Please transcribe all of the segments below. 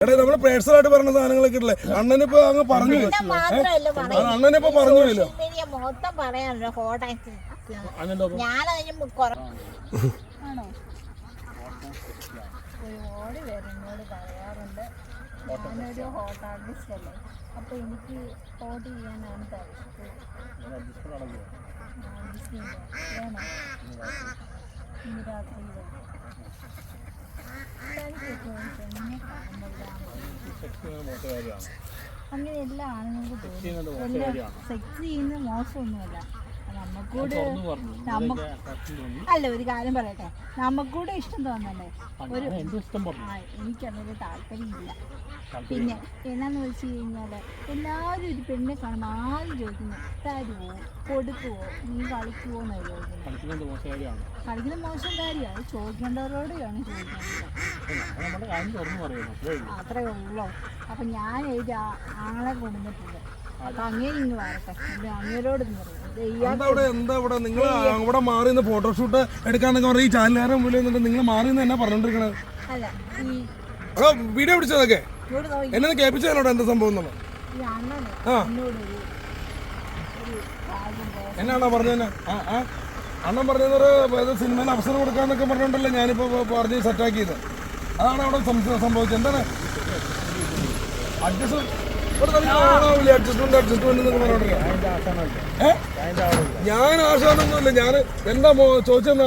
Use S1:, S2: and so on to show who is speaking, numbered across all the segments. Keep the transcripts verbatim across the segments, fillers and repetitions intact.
S1: എടാ നമ്മള് പേഴ്സണലായിട്ട് പറഞ്ഞ സാധനങ്ങളൊക്കെ ഇല്ലേ അണ്ണനിപ്പോ അങ്ങ് പറഞ്ഞു അണ്ണനിപ്പോ പറഞ്ഞില്ലല്ലോ
S2: മൊത്തം പറയാനല്ലോ ഒരുപാട് പേരെന്നോട് പറയാറുണ്ട് ഞാനൊരു ഹോട്ട് ആർട്ടിസ്റ്റ് അല്ലേ അപ്പൊ എനിക്ക് ഹോട്ട് ചെയ്യാനാണ് ഇന്ന് രാത്രി അങ്ങനെ എല്ലാ ആണുങ്ങൾക്ക് തോന്നും സെക്സ് ചെയ്യുന്ന മോശമൊന്നുമല്ല നമുക്കൂടെ നമുക്ക് അല്ല ഒരു കാര്യം പറയട്ടെ നമുക്കൂടെ ഇഷ്ടം തോന്നണ്ടേ ഒരു എനിക്കതൊരു താല്പര്യമില്ല. പിന്നെ എന്നാന്ന് വെച്ച് കഴിഞ്ഞാൽ എല്ലാവരും ഒരു പെണ്ണിനെ കാണുമ്പോൾ ആദ്യം ചോദിക്കുന്നത് തരുമോ കൊടുക്കുവോ നീ കളിക്കുവോ എന്നാണ് ചോദിക്കുന്നത്. കളിക്കുന്ന മോശം കാര്യമാണ് ചോദിക്കേണ്ടവരോടെയാണ് ചോദിക്കേണ്ടത്. അത്രേ ഉള്ളൂ. അപ്പം ഞാൻ ഒരു ആളെ കൊണ്ടുവന്നിട്ടുണ്ട്. അപ്പം അങ്ങനെ ഇങ്ങ് വരട്ടെ അങ്ങേരോട്
S1: എന്താ ഇവിടെ നിങ്ങൾ അവിടെ മാറി ഫോട്ടോഷൂട്ട് എടുക്കാന്നൊക്കെ പറഞ്ഞ ഈ ചാനലുകാരൻ മുന്നിൽ നിങ്ങൾ മാറി എന്നാ പറഞ്ഞോണ്ടിരിക്കണത്?
S2: അല്ല ഈ
S1: വീഡിയോ പിടിച്ചതൊക്കെ എന്നെ കേൾപ്പിച്ചതിനോട് എന്താ സംഭവം എന്നുള്ളത് എന്നാണോ പറഞ്ഞത്? ആ അണ്ണൻ പറഞ്ഞത് സിനിമയിൽ അവസരം കൊടുക്കാന്നൊക്കെ പറഞ്ഞോണ്ടല്ലേ ഞാനിപ്പോ പറഞ്ഞ് സെറ്റാക്കിയത്. അതാണ് അവിടെ സംഭവിച്ചത്. എന്താണ് അഡ്ജസ്റ്റ്മെന്റ് അഡ്ജസ്റ്റ്മെന്റ് അഡ്ജസ്റ്റ്മെന്റ് എന്നൊക്കെ പറഞ്ഞോണ്ടിരിക്കുക. ഞാൻ ആശാനൊന്നുമില്ല. ഞാൻ എന്താ ചോദിച്ചെന്നാ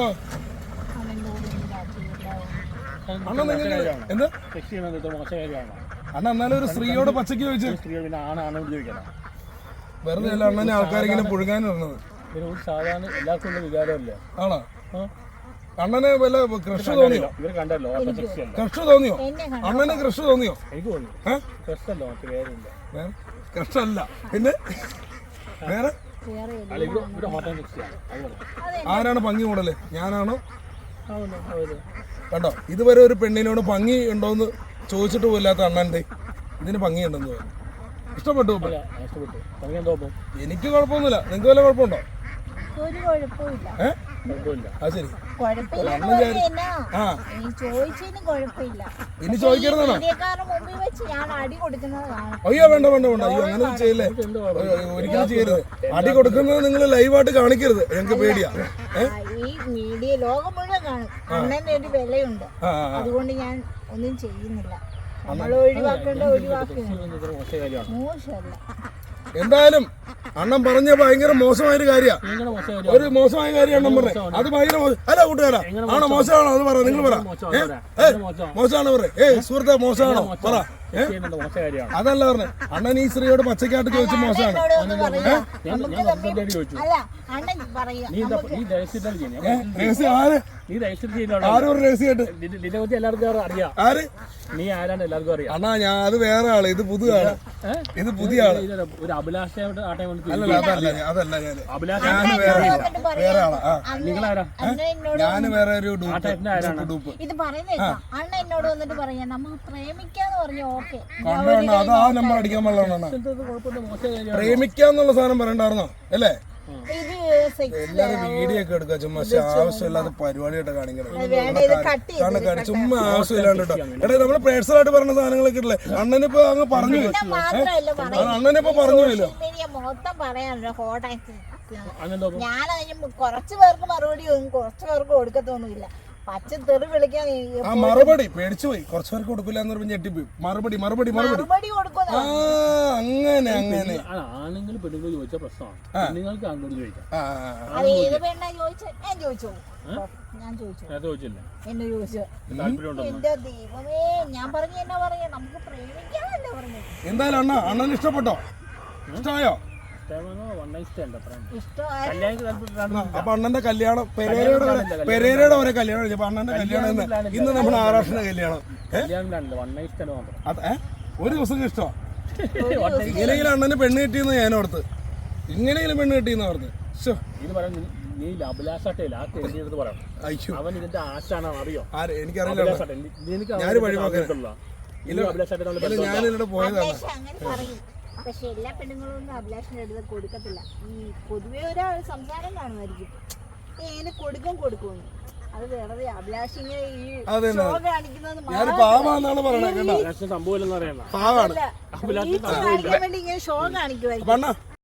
S1: അണ്ണ നിങ്ങൾക്ക് എന്താ അണ്ണ എന്നാലും ഒരു സ്ത്രീയോട് പച്ചക്ക് ചോദിച്ചു വെറുതെ അല്ല അണ്ണനെ ആൾക്കാരിങ്ങനെ പുഴുകാൻ വരുന്നത്.
S3: സാധാരണ എല്ലാവർക്കും വികാരമല്ലേ
S1: ആണോ? അണ്ണനെ വല്ല ക്രഷ് തോന്നിയോ? ക്രഷ് തോന്നിയോ? അണ്ണന് ക്രഷ് തോന്നിയോ? ക്രഷ് അല്ല പിന്നെ വേറെ ആരാണ് ഭംഗി കൂടല്? ഞാനാണോ? കണ്ടോ ഇതുവരെ ഒരു പെണ്ണിനോട് ഭംഗി ഉണ്ടോന്ന് ചോദിച്ചിട്ട് പോയില്ലാത്ത അണ്ണന്റെ ഇതിന് ഭംഗിയുണ്ടെന്ന് തോന്നുന്നു. ഇഷ്ടപ്പെട്ടു? എനിക്ക് കുഴപ്പമൊന്നുമില്ല. നിങ്ങൾക്ക് വല്ല കുഴപ്പമുണ്ടോ? ഇനി ചോദിക്കരുതാണോ? അയ്യോ വേണ്ട വേണ്ട വേണ്ട അയ്യോ അങ്ങനെ ചെയ്യല്ലേ. ഒരിക്കലും ചെയ്യരുത്. അടി കൊടുക്കുന്നത് നിങ്ങൾ ലൈവായിട്ട് കാണിക്കരുത്. ഞങ്ങൾക്ക് പേടിയാ.
S2: ഈ മീഡിയ ലോകം മുഴുവൻ കാണും. അണ്ണന്റെ ഒരു വിലയുണ്ട്. അതുകൊണ്ട് ഞാൻ ഒന്നും ചെയ്യുന്നില്ല. നമ്മൾ ഒഴിവാക്കേണ്ട ഒഴിവാക്കുക മോശമല്ല.
S1: എന്തായാലും അണ്ണൻ പറഞ്ഞ ഭയങ്കര മോശമായൊരു കാര്യ ഒരു മോശമായ കാര്യം അണ്ണൻ പറഞ്ഞത്. അത് ഭയങ്കര അല്ല കൂട്ടുകാരാ ആണോ മോശമാണോ? അത് പറ. നിങ്ങൾ പറ. മോശമാണോ പറ. ഏയ് സുഹൃത്തെ മോശമാണോ പറ. അതല്ല പറഞ്ഞത്. അണ്ണൻ ഈ സ്ത്രീയോട് പച്ചക്കാട്ട് ചോദിച്ച മോശമാണ്. ആരും രഹസ്യമായിട്ട് ആര്
S3: നീ ആരാണ് എല്ലാവർക്കും അറിയാം.
S1: അണ്ണാ ഞാൻ അത് വേറെ ആള്. ഇത് പുതിയ ആള്. ഇത് പുതിയ ആള്.
S3: ഒരു അഭിലാഷയോട് ആ ടൈം
S1: അല്ലല്ല അതല്ല അതല്ല ഞാൻ ഞാൻ വേറെ വേറെ ആളാ. നിങ്ങളാരാ? ഞാൻ വേറെ ഒരു ഡൂപ്പ്.
S2: ഇത് പറയുന്നത് അണ്ണ എന്നോട് വന്നിട്ട് പറയാ നമുക്ക് പ്രേമിക്കാന്ന് പറഞ്ഞു. ഓക്കെ
S1: അത് ആ നമ്പർ അടിക്കാൻ പാടില്ല. പ്രേമിക്കാന്നുള്ള സാധനം പറയണ്ടായിരുന്നോ അല്ലേ? എല്ലാരും വീഡിയോ ഒക്കെ എടുക്കുക. ചുമ്മാ ആവശ്യമില്ലാത്ത പരിപാടിയായിട്ട് കാണിക്കണം. ചുമ്മാ ആവശ്യമില്ലാണ്ട് കേട്ടോ. എടാ നമ്മള് പേഴ്സണലായിട്ട് പറഞ്ഞ സാധനങ്ങളൊക്കെ ഇല്ലേ അണ്ണനിപ്പോ അങ്ങ് പറഞ്ഞു അണ്ണനിപ്പോ പറഞ്ഞില്ലല്ലോ.
S2: മൊത്തം പറയാനല്ലോ ഞാൻ കുറച്ചു പേർക്ക് മറുപടി കുറച്ചു പേർക്ക് കൊടുക്കത്തൊന്നുമില്ല. പച്ച തെറി വിളിക്കാൻ
S1: ആ മറുപടി പേടിച്ചു പോയി. കുറച്ചു പേർക്ക് കൊടുക്കില്ല എന്ന് പറഞ്ഞ് ഞെട്ടിപ്പോയി. മറുപടി മറുപടി മറുപടി ആ അങ്ങനെ അങ്ങനെ
S3: ആണുങ്ങൾ പെണ്ണുങ്ങൾ ചോദിച്ച പ്രശ്നമാണ്. നിങ്ങൾക്ക് അങ്ങോട്ട് ചോദിക്കാം.
S2: എന്നെ ചോദിച്ചു എന്റെ ദൈവമേ ഞാൻ പറഞ്ഞു എന്നാ പറയാ നമുക്ക് പ്രേമിക്കാനല്ലേ പറഞ്ഞു.
S1: എന്തായാലും അണ്ണ അണ്ണന് ഇഷ്ടപ്പെട്ടോ? ഇഷ്ടമായോ? അപ്പൊ അണ്ണന്റെ കല്യാണം പെരേരയുടെ പെരേരയുടെ ഒരേ കല്യാണം. അപ്പൊ അണ്ണന്റെ കല്യാണം ഇന്ന് നമ്മുടെ ആറാഷിന്റെ കല്യാണം. ഒരു ദിവസം ഇഷ്ടമാണ്. ഇങ്ങനെയെങ്കിലും അണ്ണന് പെണ്ണ് കിട്ടിയെന്ന് ഞാൻ ഓർത്ത്. ഇങ്ങനെയെങ്കിലും പെണ്ണ് കിട്ടിയെന്ന് ഓർത്ത്. എനിക്കറിയില്ല. ഞാൻ വഴിപോക്കല്ല. ഞാനിവിടെ പോയതാണ്.
S2: പക്ഷെ എല്ലാ പെണ്ണുങ്ങളൊന്നും അഭിലാഷിന്റെ അടുത്ത് കൊടുക്കത്തില്ല. ഈ പൊതുവെ ഒരാൾ സംസാരം കാണുമായിരിക്കും. ഏനെ കൊടുക്കും കൊടുക്കുമെന്ന് അത് വെറുതെ അഭിലാഷ് ഇങ്ങനെ ഈ
S1: അതെ
S2: ഷോ കാണിക്കുന്നത്
S1: ഞാൻ പാവാന്നാണ് പറയണത് കേട്ടോ.
S3: സംഭവം ഇല്ലെന്ന് അറിയണ്ട
S1: പാവാണ്
S2: കാണിക്കാൻ വേണ്ടി ഇങ്ങനെ ഷോ കാണിക്കുമായിരിക്കും.
S1: അണ്ണാ